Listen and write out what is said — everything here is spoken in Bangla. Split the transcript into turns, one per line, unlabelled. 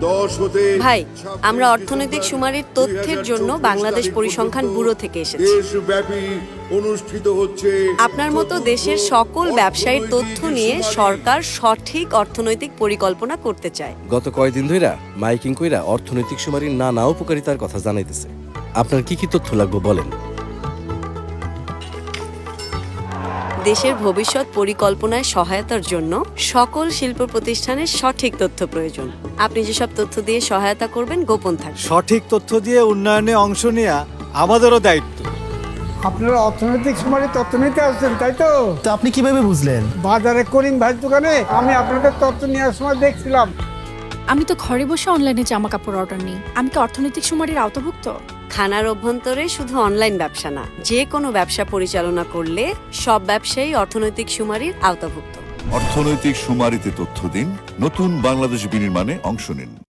ভাই, আমরা অর্থনৈতিক সুমারির তথ্যের জন্য বাংলাদেশ পরিসংখ্যান ব্যুরো থেকে এসেছি।
দেশব্যাপী অনুষ্ঠিত হচ্ছে
আপনার মতো দেশের সকল ব্যবসায়ীর তথ্য নিয়ে সরকার সঠিক অর্থনৈতিক পরিকল্পনা করতে চায়।
গত কয়েকদিন ধইরা মাইকিং কইরা অর্থনৈতিক সুমারির নানা উপকারিতার কথা জানাইতেছে। আপনার কি কি তথ্য লাগবে বলেন।
দেশের ভবিষ্যৎ পরিকল্পনায় সহায়তার জন্য সকল শিল্প প্রতিষ্ঠানের সঠিক তথ্য প্রয়োজন। আপনি যেসব তথ্য দিয়ে সহায়তা করবেন গোপন থাকবে।
সঠিক তথ্য দিয়ে উন্নয়নে অংশ নেওয়া আমাদেরও দায়িত্ব।
আপনারা অর্থনৈতিক সুমারি তথ্য নিতে আসছেন, তাই তো?
তো আপনি কিভাবে বুঝলেন?
বাজারে করিম ভাইয়ের দোকানে আমি আপনাদের তথ্য নেওয়ার সময় দেখছিলাম।
আমি তো ঘরে বসে অনলাইনে জামা কাপড় অর্ডার নিই। আমি কি অর্থনৈতিক সুমারির আওতাভুক্ত?
খানার অভ্যন্তরে শুধু অনলাইন ব্যবসা না, যে কোনো ব্যবসা পরিচালনা করলে সব ব্যবসায়ী অর্থনৈতিক সুমারির আওতাভুক্ত।
অর্থনৈতিক সুমারিতে তথ্য দিন, নতুন বাংলাদেশ বিনির্মাণে অংশ নিন।